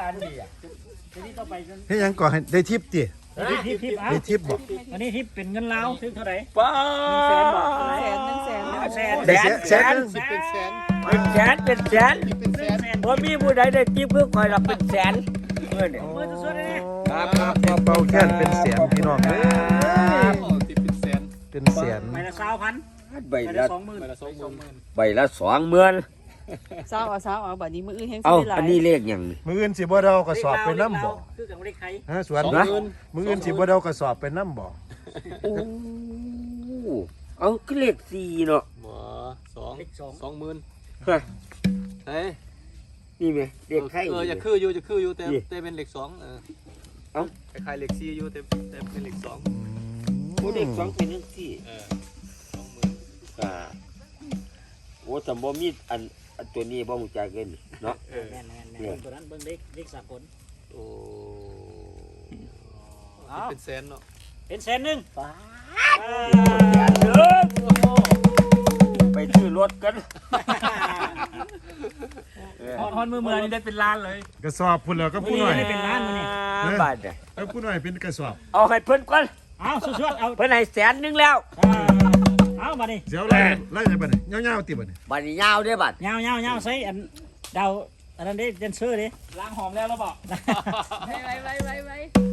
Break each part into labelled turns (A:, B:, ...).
A: อันนี้อ่ะ
B: ทีนี้ต่อไป
C: เฮ็ดหยังก่อนให้ได้ทิปติ
B: ทิปอ่ะ
C: ได้ทิปบ่
B: อันนี้ทิปเป็นเงินลาวซื้อเท่าไหร่
A: ป้า
B: แสนบอก
D: แสนหนึ่งแสน
B: แสน
C: ได้แสนนึง
E: เป็นแสน
A: เป็นแสนเป็นแสน
E: เป็นแสน
A: พอมีผู้ใดได้ทิปเพื่อคอยรับเป็นแสนเมื่อเนี่ย
B: มือจะสวดเลย
A: ครับครับ
C: เป่าแค้นเป็นแสนพี่น้องเอ้ย
E: โอ้ติดเป็นแสน
C: เป็นแสน
B: ใบละ20,000
A: ใบ
B: ใบ
A: ละ
B: ละ20,000
E: ไปละ20,000
A: ใบละ20,000
D: สาวเอาบัดนี้มืออื่นแห้ง
A: เอ้า
D: สิได้หลาย
A: อันนี้เลขอย่างนี้
C: มื้ออื่นสิบ่เดากระสอบไปนำบ่
B: คือกับเลขไทย
C: ฮะสวน
E: 20,000
C: มื้ออื่นสิบ่เดากระสอบไปนำบ่
A: โอ้เอาก็เลข4เนาะ
E: บ่
B: เลข
E: 20,000
A: ฮะ
E: เฮ้ย
A: นี่ไหมเลขไทย
E: อย่าคืออยู่แต่เป็นเลข2
A: เอ้า
E: คล้ายๆเลข4อยู่แต่เป็นเลข2
A: โอ้เลข2เป็นจังซี่
E: 20,000
A: อ่าโอ้สมบ่มีอันตัวนี้บ่ฮู้จักเกินเนาะ
B: แม่นตัวนั้นเบิ่งเลขสากล
E: โอ้เป็นแสนเนาะ
B: เป็นแสนหนึ่ง
A: ไปซื้อรถกัน
B: ฮอนมือนี่ได้เป็นล้านเลย
C: กระสอบพุ่นแล้วก็ผู้น้อย
B: ได้เป็นล้านมื้อนี้
A: บาทเนี่ย
C: เอ้าผู้น้อยเป็นกระสอบ
A: เอาให้เพิ่นก่อน
B: เอาสวดเอา
A: เพิ่นให้100,000แล้ว
B: เอามาดิ
C: เดี๋ยวไล่ได้บัดนี้ยาวๆติบัดนี้
A: บัดนี้ยาวเด้อบัด
B: ยาวใส่อันดาวอันนั้นได้เดนเซอร์ดิล้างหอมแล้วบอก
D: ไว้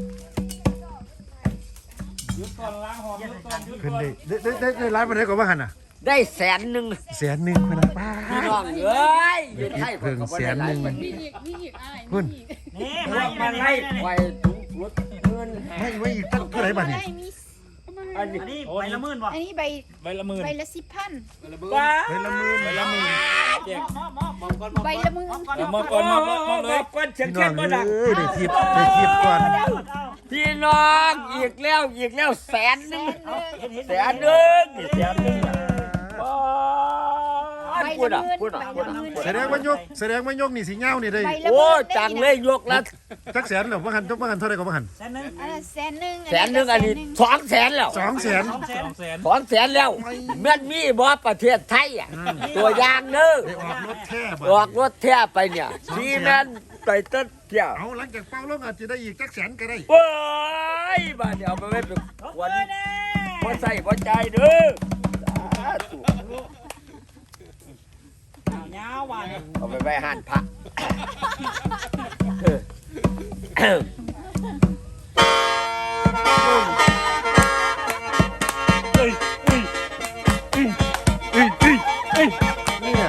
B: หยุดก่อนล้างหอมหยุดก่อน
C: ขึ้นได้หลายปานใดก็ว่าหั่นน่ะ
A: ได้100,000
C: แสนหนึงพุ่นน่ะป้า
A: พี่น้องเอ้ยอยู่ไทย
C: เพิ่งแสนหนึ่ง
D: มีอีกอ้าย
C: พุ่น
B: นี่
A: มาให้ไว้ถุงรถเงิน
C: ไม่อีกตั้งเท่าไหร่บัดนี้
D: ได้มี
A: อันนี้
B: อันนี้ใบละหมื่นบ่
D: อันนี้ใบ
B: ใบละหมื่น
D: ใบละ10,000
A: ว้า
C: เฮ้ยละหมื่น
B: มองก่อน
D: ใบละมือ
A: มองก่อนเชียง
C: พี่น้
A: เชี
C: อย ง
A: งบ่ดัง
C: เอ้ยได้ทิปก่อน
A: พี่น้องอีกแล้ว100,000
D: แสนเลย
A: พูดอ่ะ
C: แสดงว่ายกนี่สิยาวนี่ได้
D: ใบละ
A: โอ้จังเลยยกละ
C: จักแสนเหรอว่าหันเท่าไหร่ก็ว่าหัน
B: แสนหนึ่ง
D: แสนหนึ่ง
A: 100,000อันนี้200,000แล้ว
C: 200,000
A: 200,000แล้วแม่นมีบ่ประเทศไทยอ่ะตัวอย่างเด้อ
C: ได้ออกรถแท้บั
A: ออกรถแท้ไปเนี่ยที่นั่นไปเต้นเที่ยว
C: เอาหลังจากเป้าลงอาจจะได้อีกจักแสนก็ได้
A: เว้ยบ้านเดี๋ยวเอาไปไว้เป็นวันบ่ใส่บ่ใจายเด้อสาธุ
B: ยาวว่ะ
A: เอาไปไว้ห้านพระ
C: เนี่ย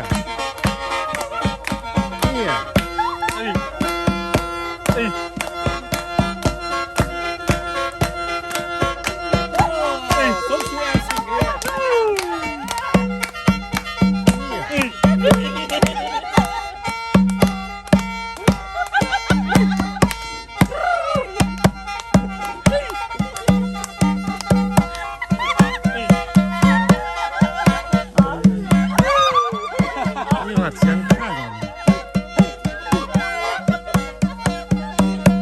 C: นี่หัดเสียงข้างก่อน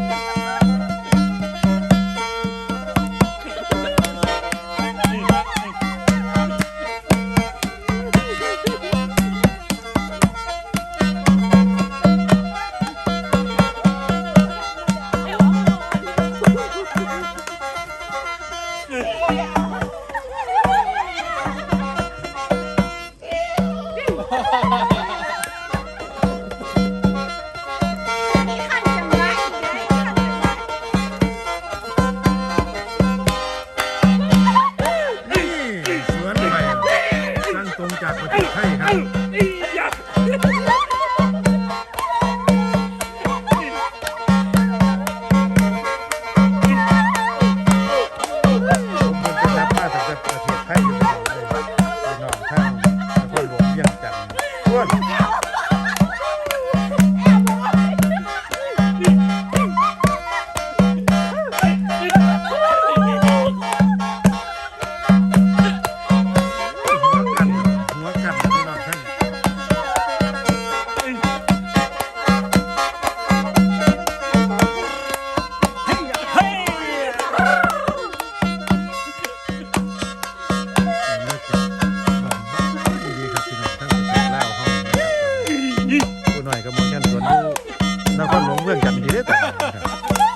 C: นครหลวงเมืองจันทร์ดีเด้อแต่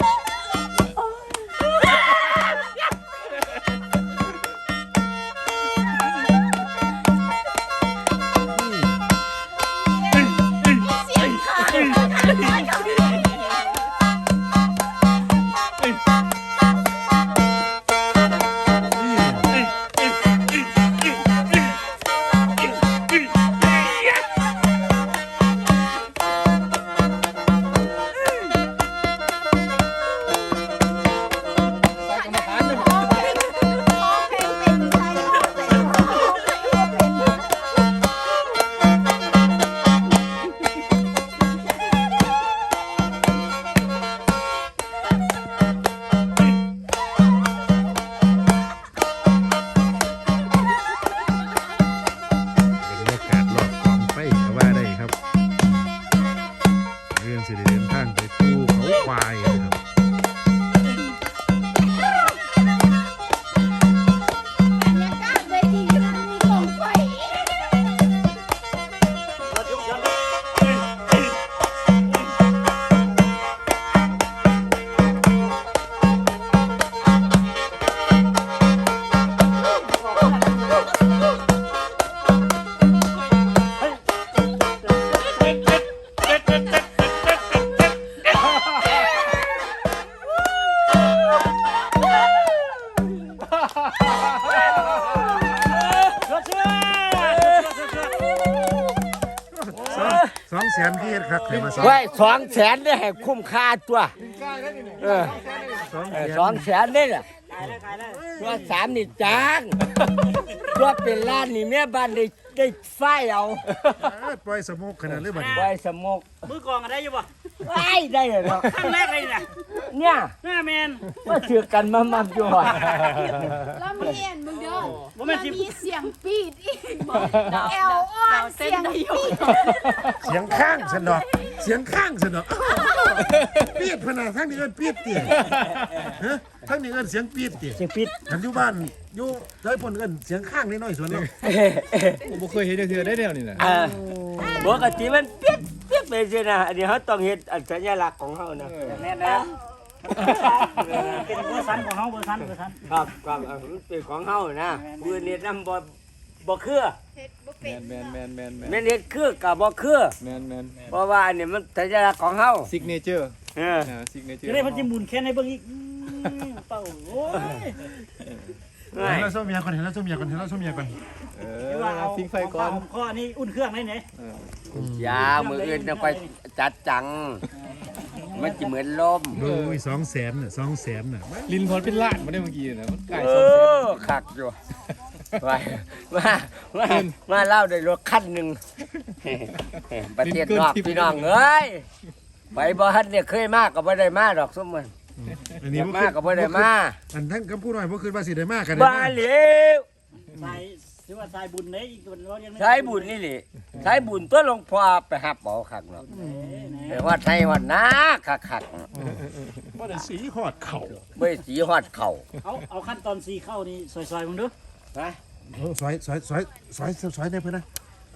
C: บรรยากาศรอบกองไฟก็ว่าได้ครับเรื่องสิได้เดินทางไปภูเขาควายนะครับ 200,000ที่เฮ็ดคักให้มา
A: ไว้200,000ได้ให้คุ้มค่าตัว200,000นี่แหละ
B: ขายเลย
A: ตัว3นี่จางตัวเป็นล้านนี่แม่บ้านได้ไฟเอา
C: ปล่อยสมุกขนาดหรือบัดนี้
A: ไว้สมก
B: มือกองกันได้อยู่ป่ะ
A: ไว้ได้เหรอ
B: ครั้งแรกเลยนะ
A: เนี่ย
B: หน้าแมน
A: ว่าถือกันมาอยู่หอด
D: แล้วมีเห็นมึงเด้อ
B: บ่แม่นสิ
D: มีเสียงปีดอีกบอกแอลอ้อนเสียงปีด
C: เสียงข้างสนอกเสียงข้างสนอกปีดพนาทั้งนี้เอิ้นปีดเตี่ยฮะทั้งนี้เอิ้นเสียงปีดเตี่ย
B: เสียงปิด
C: อันอยู่บ้านอยู่ไผพ่นเอิ้นเสียงข้างนิดหน่อยส่วนเนาะ
E: ผมบ่เคยเห็นเทื่อได้แนวนี่น่ะ
A: ปกติมันเปี๊ยกไปสินะอันนี้เขาต้องเฮ็ดอันสัญลักษณ์ของเขานะ
B: แน่นนะเป็นเวอร์ซันของเขาเวอร์ซัน
A: ครับมันเป็นของเขานะปืนเฮ็ดนำบ่คือ
D: เฮ็ดบ่เป็น
E: แมน
A: แม่นเฮ็ดคือกับบ่คือ
E: แมน
A: เพราะว่าอันนี้มันสัญลักษณ์ของเขา
E: ซิกเนเจอร์
A: เออ
E: ซิกเนเจอ
B: จะ
E: ร์
B: ได้พันจิมุนแค่ในเบื้องอีกเป่าโอ้ย
C: เห็นแล้วส้มเมียก่อนเห็นแล้วส้มเมียก่อนเห็นแล้วส้มเมียก่อน
B: ว่าเอา
E: ฟิงไฟก่อน
B: ข้อนี้อุ่นเครื่องได้ไหน
A: ยามืออื่นต้องไปจัดจัง มันจะเหมือนลม
C: ดูอี200,000น่ะ200,000น่ะ
E: ลินพรเป็นล้านมาได้เมื่อกี้นะมันไก่
A: เอ
E: 200,000
A: อคักอยู่มาเล่าได้รถคันหนึ่งประเทศนอกพี่น้องเอ้ยไปบ่ฮันเนี่ยเคยมากก็บ่ได้มาดอกสมมัน
C: อันนี้
A: มากก็บ่ได้มา
C: อันทั้งคำพูดหน่อยบ่คือว่าสิได้มากกัน
A: บ้าเหลว
B: สายหรือว่าสายบุญไหนอีกคนเรายัง
A: ใช้บุญนี่แหละใช้บุญตัวหลวงพ่อไปหับเอาคักเนาะไปวัดไทยวัดนาคักๆ
C: บ่ได้สีฮอดเข่า
A: เบ่สีฮอดเข่า
B: เอาขั้นตอนสีเข้านี่ซอยๆมึงดู
A: นะ
C: ซอยได้เพิ่นนะ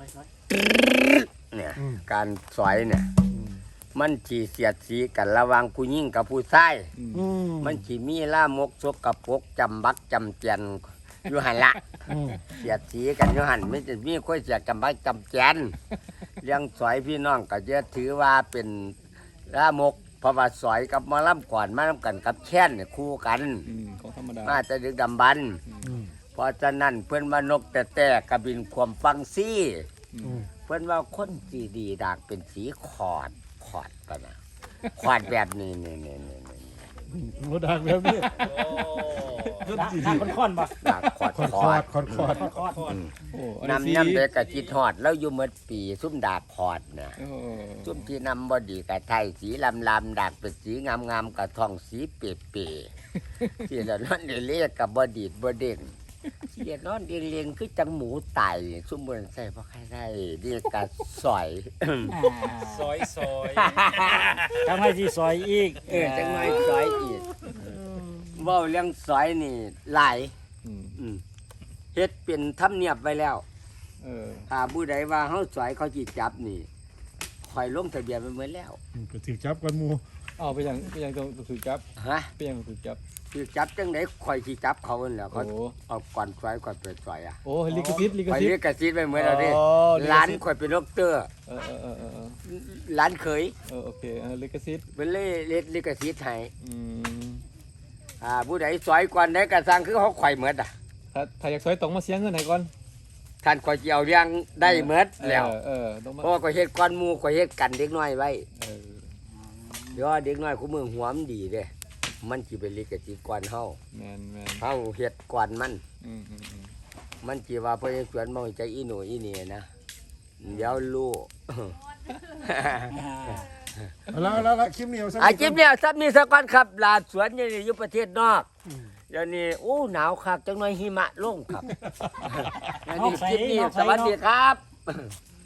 A: เนี่ยการสอยเนี่ยมันสิเสียดสีกันระหว่างผู้หญิงกับผู้ชายมันสิมีล่ามกสกปรกจำบักจำเจียนอยู่หั่นละเสียดสีกันอยู่หั่นไม่จะมีคนเสียจำบักจำเจียนเลี้ยงสอยพี่น้องก็จะถือว่าเป็นล่ามกเพราะว่าสอยกับหมอลำก่อนมาลำกันกับแช่นเนี่ยคู่กัน
E: ของธรรมดา
A: มาจะดึกดำบรรพ์เพราะฉะนั้นเพื่อนว่านกแต่กระบินความฟังซี่เพื่อนว่าคนสีดีดากเป็นสีขอดปะนะขอดแบบนี้
C: บ่ดังแล้วนี่
B: ค่อนๆป่ะ
A: ดากขอด
C: คอด
E: โอ้
A: นำเด็กกะจิตหอดแล้วอยู่เมื่อปีซุ่มดากขอดนะซุ่มที่นำบดีกะไทยสีลำดากเป็นสีงามกะทองสีเป๋ที่ละนั่นเรียกกับบดีดบเด้งเสียนอนเรียงคือจังหมูไต่ซุ่มบนใส่เพราะใครได้เรียกกะสอย
E: ซอย
B: ทำให้สีซอยอีก
A: จังไงสอยอีกเว่าเรื่องสอยนี่หลายเฮ็ดเป็นธรรมเนียบไว้แล้วถ้าผู้ใดว่าเฮาสอยเขาจิจับนี่ข่อยลงทะเบียนไปเหมือนแล้ว
C: ก็ถือจับกันหมู่
E: เอาไปยังต้องถูกจับ
A: ฮะ
E: ไปยังถูกจับ
A: คือจับจังไดข่อยสิจับเขานั่นแหละ
E: โอ้
A: เขาเอาก่อนซอยก่อนเปิดซอยอ่ะ
E: โอ้ลิขสิทธิ์ลิข
A: ข่อย
E: สิท
A: เรีย
E: ธิ์
A: กกระซิบไปเหมือนเราดิ
E: อ๋อลิขสิทธิ์
A: ร้านข่อยเป็นดอกเตอร์
E: เออ
A: ร้านเคย
E: โอเคลิขสิทธิ์
A: เป็นเล่ลิกระซิบให้
E: อืม
A: ผู้ใดซอยก่อนได้กระสังคือเขาข่อยเหมือนอ่ะ
E: ถ้าอยากซอยต้องมาเสียเงินให้ก่อน
A: ท่านข่อยสิเอาเรื่องได้เหมือนแล้ว
E: ต้องมา
A: เพราะว่าข่อยเฮ็ดก่อนหมู่ข่อยเฮ็ดกันเด็กน้อยไว้
E: เออ
A: เดี๋ยวเด็กน้อยคู่มือหัวมันดีเด้มันสิเป็นลิกระซิบก่อนเฮา
E: แมน
A: เฮาเฮ็ดก่อนมัน
E: อืม
A: มันจีว่าเพื่อนสวนมองใจอีหนูอีนี่นะเดี๋ยวรู้
C: แล้วคลิปนี้เอาซะ
A: อาชีพเนี่ยซับมีสกอนครับลาสวนนี่อยู่ประเทศนอกเดี๋ยวนี้โอ้หนาวคักจังหน่อยหิมะลงครับแล้วนี่คลิปนี้สวัสดีครับ